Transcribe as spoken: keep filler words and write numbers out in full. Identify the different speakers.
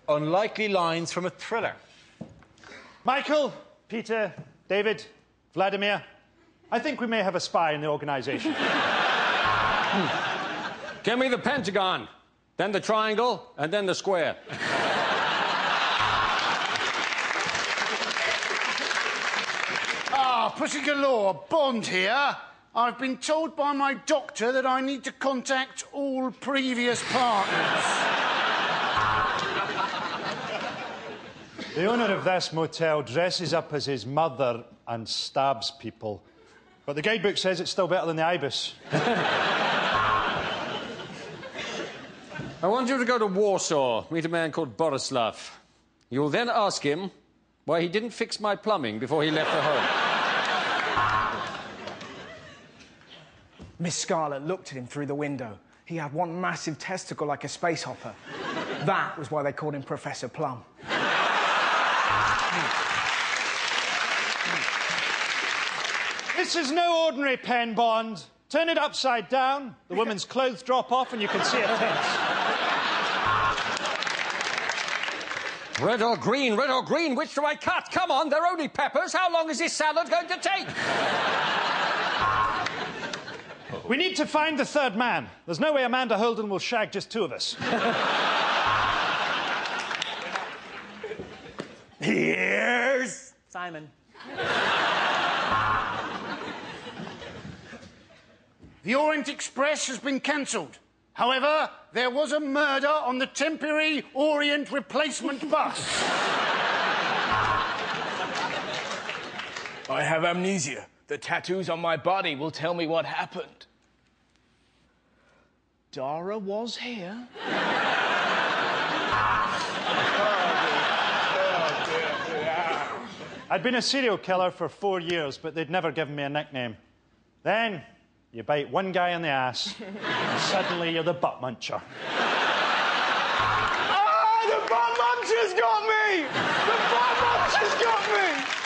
Speaker 1: unlikely lines from a thriller.
Speaker 2: Michael, Peter, David, Vladimir, I think we may have a spy in the organisation.
Speaker 3: Give me the pentagon, then the triangle, and then the square.
Speaker 4: Ah, Pussy Galore, Bond here. I've been told by my doctor that I need to contact all previous partners.
Speaker 2: The owner of this motel dresses up as his mother and stabs people. But the guidebook says it's still better than the Ibis.
Speaker 3: I want you to go to Warsaw, meet a man called Borislav. You'll then ask him why he didn't fix my plumbing before he left for home.
Speaker 5: Miss Scarlet looked at him through the window. He had one massive testicle like a space hopper. That was why they called him Professor Plum.
Speaker 2: This is no ordinary pen, Bond. Turn it upside down, the woman's clothes drop off and you can see her tits.
Speaker 3: Red or green, red or green, which do I cut? Come on, they're only peppers. How long is this salad going to take?
Speaker 2: We need to find the third man. There's no way Amanda Holden will shag just two of us.
Speaker 5: Here's Simon.
Speaker 4: The Orient Express has been cancelled. However, there was a murder on the temporary Orient replacement bus.
Speaker 6: I have amnesia. The tattoos on my body will tell me what happened. Dara was here.
Speaker 2: I'd been a serial killer for four years, but they'd never given me a nickname. Then, you bite one guy in the ass, and suddenly you're the butt muncher.
Speaker 6: Ah, the butt muncher's got me! The butt muncher's got me!